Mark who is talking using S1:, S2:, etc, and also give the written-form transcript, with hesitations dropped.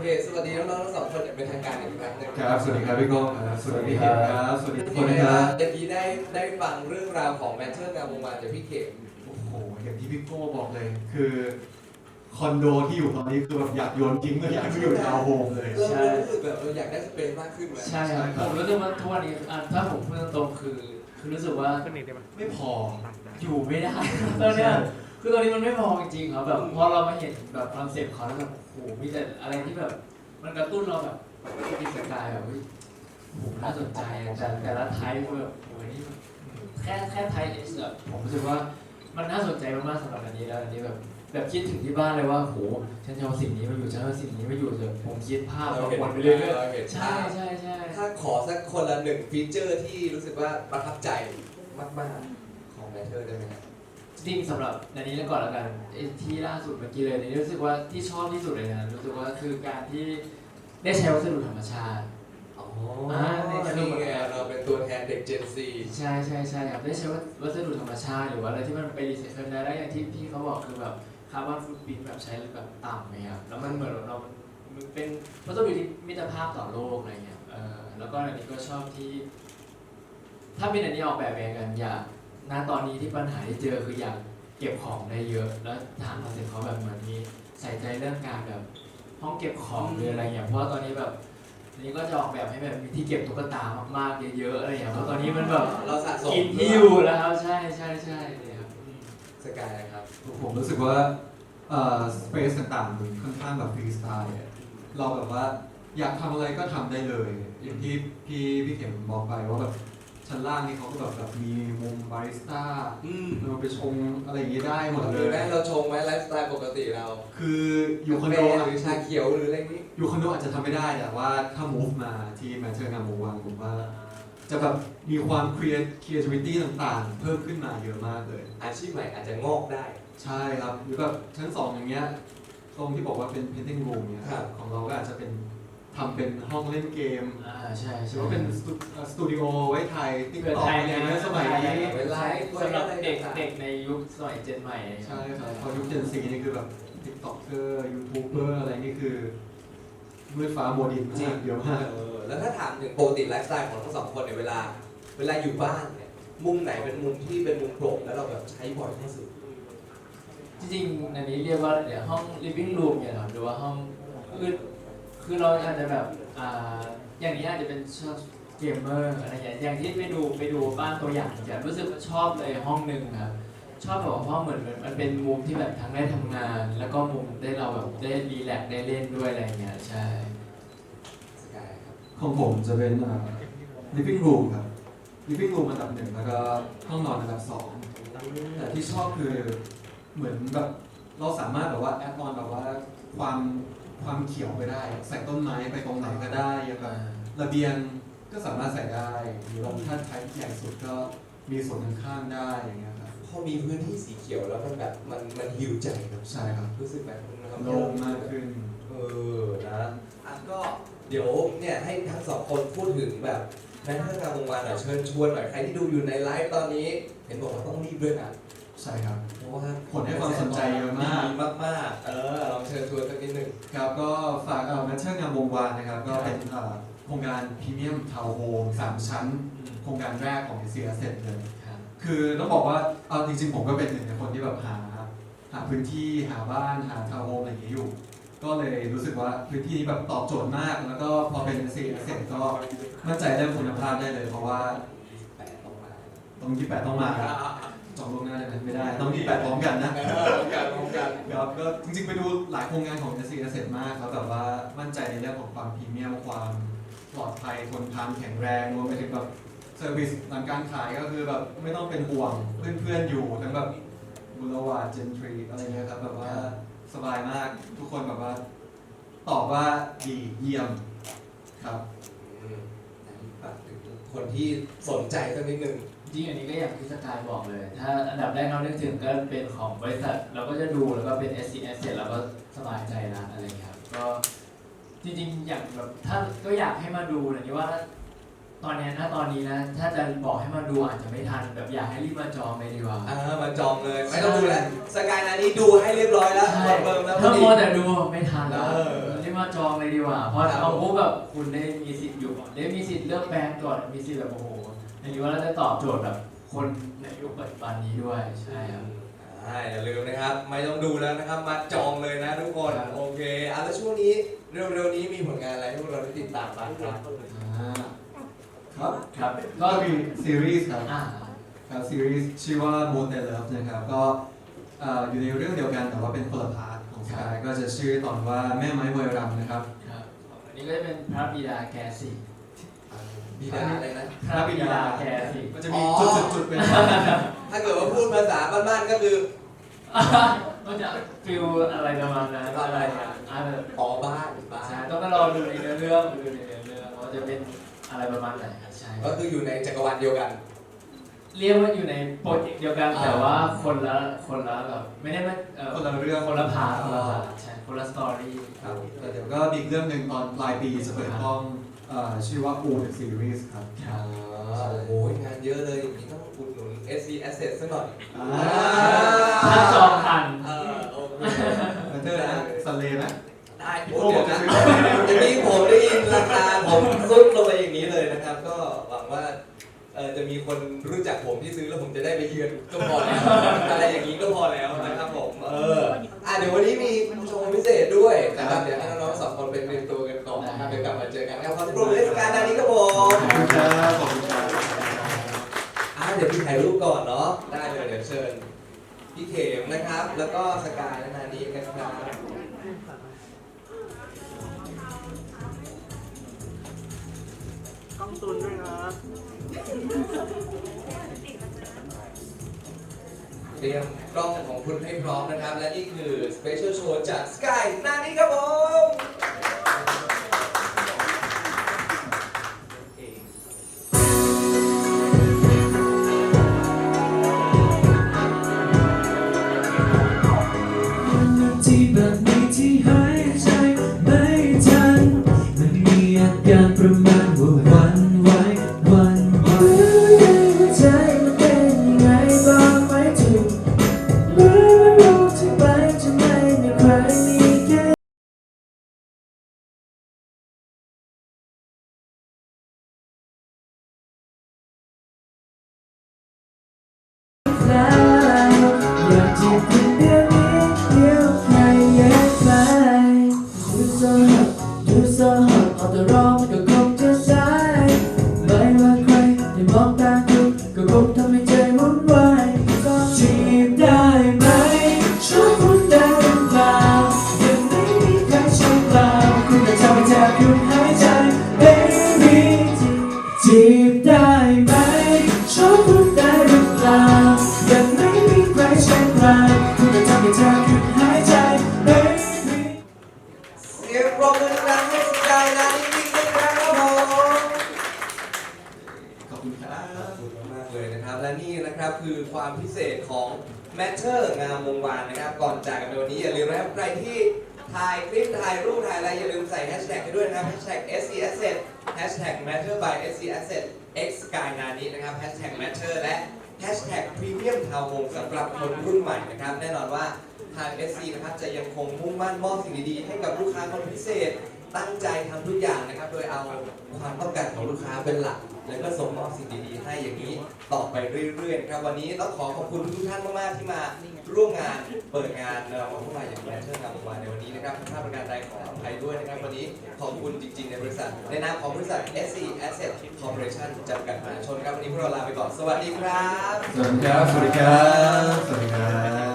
S1: สวัสดีน้องๆทั้งสองคนอย่างเป็นทางการอีกครั้งหนึ่ง
S2: ครับสวัสดีครับพี่ก้องครับสวัสดีครับสวัสดีทุกคนนะครับ
S1: เมื่อกี้ได้ฟังเรื่องราวของแมทเทิลงามวงศ์วานจากพี่เข็ม
S2: โอ้โหอย่างที่พี่โก้บอกเลยคือคอนโดที่อยู่ตอนนี้คือแบบอยากโยนทิ้งเลยอยากไปอยู่ทาวน์โฮมเลย
S1: เรารู้สึกแบบเราอยากได้สเปซมากขึ้นไหม
S3: ใช่ครับผมรู้สึกว่าทุกวันนี้ถ้าผมพูดตรงๆคือรู้สึกว่า
S2: ไม่พอ
S3: อยู่ไม่ได้ตอนเนี้ยคือตอนนี้มันไม่พอจริงๆครับแบบพอเรามาเห็นแบบคอนเซ็ปต์เขาแล้วแบบโอ้โหมีแต่อะไรที่แบบมันกระตุ้นเราแบบมีสกายแบบโอ้โหน่าสนใจแต่ละไทป์แบบโอ้ยนี่แค่ไทป์เอสแบบผมรู้สึกว่ามันน่าสนใจมากๆสำหรับอันนี้แล้วอันนี้แบบคิดถึงที่บ้านเลยว่าโหฉันจะเอาสิ่งนี้มาอยู่ฉันเอาสิ่งนี้มาอยู่เลยผมคิดภาพเราวนไปเรื่อยๆใช่
S1: ถ้าขอสักคนละหนึ่งฟีเจอร์ที่รู้สึกว่าประทับใจมากๆของแมทเทิลได้ไหมครับ
S3: จริงสำหรับในนี้แล้วก่อนแล้วกันที่ล่าสุดเมื่อกี้เลยนี่รู้สึกว่าที่ชอบที่สุดเลยนะรู้สึกว่าคือการที่ได้ใช้วัสดุธรรมชาติ
S1: นี่ไงเราเป็นตัวแทนเด็ก Gen Z
S3: ใช่ครับได้ใช้วัสดุธรรมชาติหรือว่าอะไรที่มันไปรีไซเคิลได้อย่างที่พี่เขาบอกคือแบบคาร์บอนฟุตปรินท์แบบใช้แบบต่ำไหมครับแล้วมันเหมือนเราเป็นวัสดุที่มิตรภาพต่อโลกอะไรเงี้ยแล้วก็อันนี้ก็ชอบที่ถ้าเป็นอันนี้ออกแบบเองกันอยากณตอนนี้ที่ปัญหาที่เจอคืออยากเก็บของได้เยอะแล้วทางคอนเซ็ปต์เขาแบบเหมือนมีใส่ใจเรื่องการแบบห้องเก็บของหรืออะไรอย่างเพราะว่าตอนนี้แบบนี่ก็จะออกแบบให้แบบมีที่เก็บตุ๊กตามากๆเยอะๆอะไรอย่างเพราะตอนนี้มันแบบ
S1: เราสะสม
S3: กินที่อยู่แล้วครับใช่เลยครับ
S1: สกายนะครับ
S2: ผมรู้สึกว่าสเปซต่างๆมันค่อนข้างแบบฟรีสไตล์เราแบบว่าอยากทำอะไรก็ทำได้เลยอย่างที่พี่เข็มบอกไปว่าแบบชั้นล่างนี่เขาก็แบบมีมุมบาริสต้าเราไปชงอะไรอย่างนี้ได้หมดเลย
S1: เราชงไหมไลฟ์สไตล์ปกติเรา
S2: คืออยู่คอนโด
S1: หรือชาเขียวหรืออะไรนี้
S2: อยู่คอนโดอาจจะทำไม่ได้แต่ว่าถ้า move มาที่แมทเทิลงามวงศ์วานผมว่าจะแบบมีความ creativity ต่างๆเพิ่มขึ้นมาเยอะมากเลย
S1: อาชีพใหม่อาจจะงอกได้
S2: ใช่ครับหรือแบบชั้น2อย่างเงี้ยตรงที่บอกว่าเป็น painting room เนี่ยของเราก็อาจจะเป็นทำเป็นห้องเล่นเกม
S3: ใช่
S2: หรือว่าเป็นสตูดิโอไว้ไทยติ๊กต็อกอะไรเงี้ยสมัยนี้
S3: สำหรับเด็กในยุคสมัยเจนใหม่
S2: ใช่ครับพอยุคเจนซีนี่คือแบบติ๊กต็อกเกอร์ยูทูบเบอร์อะไรนี่คือมืดฟ้ามัวดินมากเยอะมาก
S1: แล้วถ้าถามถึงปกติไลฟ์สไตล์ของทั้งสองคนเนี่ยเวลาอยู่บ้านเนี่ยมุมไหนเป็นมุมที่เป็นมุมโปร่งแล้วเราแบบใช้บ่อยที่สุด
S3: จริงๆอันนี้เรียกว่าเดี๋ยวห้อง living room เนี่ยครับหรือว่าห้องคือเราอาจจะแบบอย่างนี้อาจจะเป็นชอบเกมเมอร์อะไรอย่างที่ไปดูบ้านตัวอย่างจะรู้สึกว่าชอบเลยห้องหนึ่งครับชอบแบบห้องเหมือนมันเป็นมุมที่แบบทั้งได้ทำงานแล้วก็มุมได้เราแบบได้รีแลกซ์ได้เล่นด้วยอะไรเงี้ยใช่
S2: ของผมจะเป็นliving room ครับ living room อันดับ1แล้วก็ห้องนอนอันดับ2แต่ที่ชอบคือเหมือนแบบเราสามารถแบบว่าแอดออนแบบว่าความเขียวไปได้ใส่ต้นไม้ไปตรงไหนก็ได้อย่างแบบระเบียงก็สามารถใส่ได้หรือว่าถ้าใช้ใหญ่สุดก็มีส่วนข้างๆได้อย่างเงี้ยครับ
S1: พอมีพื้นที่สีเขียวแล้วมันแบบมันฮิวใจครับ
S2: ใช่ครับ
S1: รู้สึกแบบ
S2: โล่งมากขึ้น
S1: นะก็เดี๋ยวเนี่ยให้ทั้งสองคนพูดถึงแบบแมทเทิลงามวงศ์วานหน่อยเชิญชวนหน่อยใครที่ดูอยู่ในไลฟ์ตอนนี้เห็นบอกว่าต้องรีบด้วยนะ
S2: ใช่ครับ
S1: เพราะว่า
S2: คนให้ความสนใจเยอะมาก
S1: มากลองเชิญชวนสักนิดหนึ่ง
S2: ครับก็ฝากแมทเทิลงามวงศ์วานนะครับก็เป็นโครงการพรีเมียมทาวน์โฮม3 ชั้นโครงการแรกของ SC Asset เลยคือต้องบอกว่าเอาจริงๆผมก็เป็นหนึ่งในคนที่แบบหาพื้นที่หาบ้านหาทาวน์โฮมอะไรอย่างนี้อยู่ก็เลยรู้สึกว่าพื้นที่นี้แบบตอบโจทย์มากแล้วก็พอเป็น SC Asset ก็มั่นใจเรื่องคุณภาพได้เลยเพราะว่าต้อง28ต้องมาจองล่วงหน้าได้ไหมไม่ได้ต้อง28พร้อมกันนะ
S1: พร้อมกัน
S2: ครับก็จริงๆไปดูหลายโครงงานของ SC Asset มากแล้วแบบว่ามั่นใจในเรื่องของความพรีเมียมความปลอดภัยทนทานแข็งแรงรวมไปถึงแบบเซอร์วิสหลังการขายก็คือแบบไม่ต้องเป็นห่วงเพื่อนๆอยู่ทั้งแบบบุรวาเจนทรีอะไรเงี้ยครับแบบว่าสบายมากทุกคนแบบว่าตอบว่าดีเยี่ยมครับ
S1: คนที่สนใจสักนิดนึง
S3: จริงอันนี้ก็อย่างที่สกายบอกเลยถ้าอันดับแรกเรานึกถึงก็เป็นของบริษัทเราก็จะดูแล้วก็เป็น SC Asset เราก็สบายใจนะอะไรครับก็จริงๆอย่างแบบถ้าก็อยากให้มาดูนะนี่ว่าตอนนี้นะถ้าจะบอกให้มาดูอาจจะไม่ทันแบบอยากให้รีบมาจองเลยดีกว่า
S1: มาจองเลยไม่ต้องดูแล้วสกายนานี้ดูให้เรียบร้อยแล้ว
S3: ถ้ามัวแต่ดูไม่ทันแล้วรีบมาจองเลยดีกว่าเพราะเอาพวกแบบคุณได้มีสิทธิ์อยู่ก่อนได้มีสิทธิ์เลือกแบรนด์ก่อนมีสิทธิ์แบบโอ้โหอย่างนี้ว่าเราจะตอบโจทย์แบบคนในยุคปัจจุบันนี้ด้วยใช่ครับ
S1: อย่าลืมนะครับ ไม่ต้องดูแล้วนะครับ มาจองเลยนะทุกคนโอเคแล้วช่วงนี้เร็วๆนี้มีผลงานอะไรให้พวกเราได้ติดตามบ้างครับ
S2: ครับ
S3: ครับ
S2: ก็
S3: ก็
S2: มีซีรีส์ครับ
S3: อ่า
S2: ครับซีรีส์ชื่อว่า Moon and Love นะครับก็อยู่ในเรื่องเดียวกันแต่ว่าเป็นคนละพาร์ทของสกายก็จะชื่อตอนว่าแม่ไม้มวยรำนะครับ
S3: ครับอันนี้ก็จะเป็นพระบิดาแกสิ
S1: บิดาอะไรนะ
S3: พระบิดาแกสิ
S2: มันจะมี
S1: อ๋อ
S2: จุดๆๆเป็น
S1: ถ้าเกิดว่าพูดภาษาบ้านๆก็คือ
S3: มันจะฟิลอะไรประมาณนั้นอะไรอ่ะแบบ
S1: บ้าน
S3: ใช่ต้องไปรอดูในเนื้อเรื่องดูในเนื้อเรื่องว่าจะเป็นอะไรประมาณไหนครับใช่
S1: ก็คืออยู่ในจักรวาลเดียวกัน
S3: เรียกว่าอยู่ในโปรเจกต์เดียวกันแต่ว่าคนละแบบไม่ได้มา
S2: คนละเรื่อง
S3: คนละพาร์ทคนละพาร์ทใช่คนละสตอรี่
S2: ครับแต่เดี๋ยวก็มีอีกเรื่องหนึ่งตอนปลายปีจะเปิดกล้องชื่อว่า U The Series ครับ
S1: โอ้โหงานเยอะเลยอย่างนี้ต้องอุดหนุน SC Asset สักหน่อย
S3: ถ้าจองทัน
S1: โอเค
S2: มันเจอนะซันเลย์ไหม
S1: ได้โอ้เดี๋ยวนะอย่างนี้ผมได้ยินราคาผมซุดลงไปอย่างนี้เลยนะครับ ก็หวังว่าจะมีคนรู้จักผมที่ซื้อแล้วผมจะได้ไปเยือนก็พอแล้วอะไรอย่างนี้ก็พอแล้วนะครับผมเดี๋ยววันนี้มีโชว์พิเศษด้วยนะครับเดี๋ยวให้น้องๆสองคนไปเตรียมตัวกันก่อนนะครับเดี๋ยวกลับมาเจอกันครับขอบคุณเทศกาลนานี้ครับผม
S2: ขอบคุณครับขอบคุณครับ
S1: เดี๋ยวพี่ถ่ายรูปก่อนเนาะได้เลยเดี๋ยวเชิญพี่เข็มนะครับ แล้วก็สกายและนานี้กันครับ
S4: กล้องตุนด้วยครับ
S1: เตรียมกล้องของคุณให้พร้อมนะครับ และนี่คือ Special Show จาก Sky นานี้ครับผม
S5: ที่แบบนี้ที่หายใจไม่ทันมันมีอาการประมาณว่าหวันไหวหวันไหวหัวใจมันเป็นยังไงบ้างไหมถึงเมื่อโลกที่ไปจะไม่มีใครมีแค่แล้วอยากจะเป็นเดียวนี้เดียวใครแยกไป You so hot เอาแต่รอมันก็คงจะสายไม่ว่าใครได้มองตาคุณก็คงทำให้ใจวุ่นวายจีบได้ไหมช่วยคุณได้หรือเปล่ายังไม่มีใครใช่เปล่าคุณจะทำให้แทบหยุดหายใจ Baby จีบได้ไหมช่วยคุณได้หรือเปล่ายังไม่มีใครใช่เปล่าคุณจะทำให้แทบหยุดหายใจ Baby
S1: เสียงปรบมือดังๆให้สกายนานี้อีกหนึ่งครั้งครับผม
S2: ขอบคุณครั
S1: ขอบบ คุณมากๆเลยนะครับ และนี่นะครับคือความพิเศษของ Matter งามวงวานนะครับ ก่อนจากกันในวันนี้อย่าลืมนะครับใครที่ถ่ายคลิปถ่ายรูปถ่ายอะไรอย่าลืมใส่แฮชแท็กไปด้วยนะครับแฮชแท็ก SC Asset แฮชแท็ก Matter by SC Asset X Sky นานี้นะครับแฮชแท็ก Matter และแฮชแท็ก Premium Town Home สำหรับคนรุ่นใหม่นะครับ แน่นอนว่าทาง SC นะครับจะยังคงมุ่งมั่นมอบสิ่งดีๆให้กับลูกค้าคนพิเศษ ตั้งใจทำทุกอย่างนะครับ โดยเอาความต้องการของลูกค้าเป็นหลัก แล้วก็ส่งมอบสิ่งดีๆให้อย่างนี้ต่อไปเรื่อยๆนะครับ วันนี้ต้องขอขอบคุณทุกท่านมากๆที่มาร่วมงานเปิดงานของพวกเราอย่างแรกเชิญงานวันในวันนี้นะครับถ้าประการใดขออภัยด้วยนะครับ วันนี้ขอบคุณจริงๆในบริษัท ในนามของบริษัท SC Asset Corporation จำกัดมหาชนครับวันนี้พวกเราลาไปก่อน สวัสดีครับ
S2: สวัสดีครับ สวัสดีครับ สวัสดีครับ